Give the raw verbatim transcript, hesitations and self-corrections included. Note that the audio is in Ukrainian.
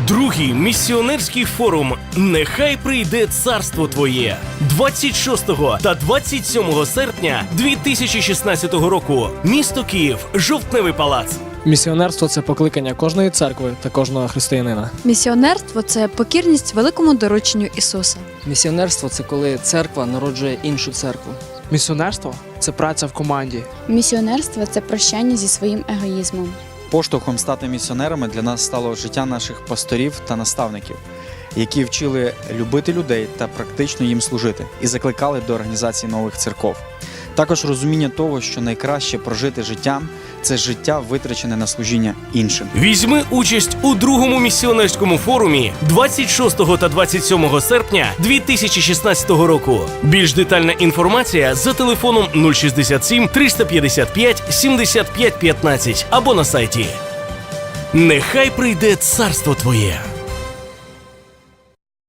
Другий місіонерський форум «Нехай прийде царство Твоє» двадцять шостого та двадцять сьомого серпня дві тисячі шістнадцятого року. Місто Київ, Жовтневий палац. Місіонерство – це покликання кожної церкви та кожного християнина. Місіонерство – це покірність великому дорученню Ісуса. Місіонерство – це коли церква народжує іншу церкву. Місіонерство – це праця в команді. Місіонерство – це прощання зі своїм егоїзмом. Поштовхом стати місіонерами для нас стало життя наших пасторів та наставників, які вчили любити людей та практично їм служити і закликали до організації нових церков. Також розуміння того, що найкраще прожити життя – це життя, витрачене на служіння іншим. Візьми участь у другому місіонерському форумі двадцять шостого та двадцять сьомого серпня дві тисячі шістнадцятого року. Більш детальна інформація за телефоном нуль шістдесят сім триста п'ятдесят п'ять сімдесят п'ять п'ятнадцять або на сайті. Нехай прийде царство Твоє.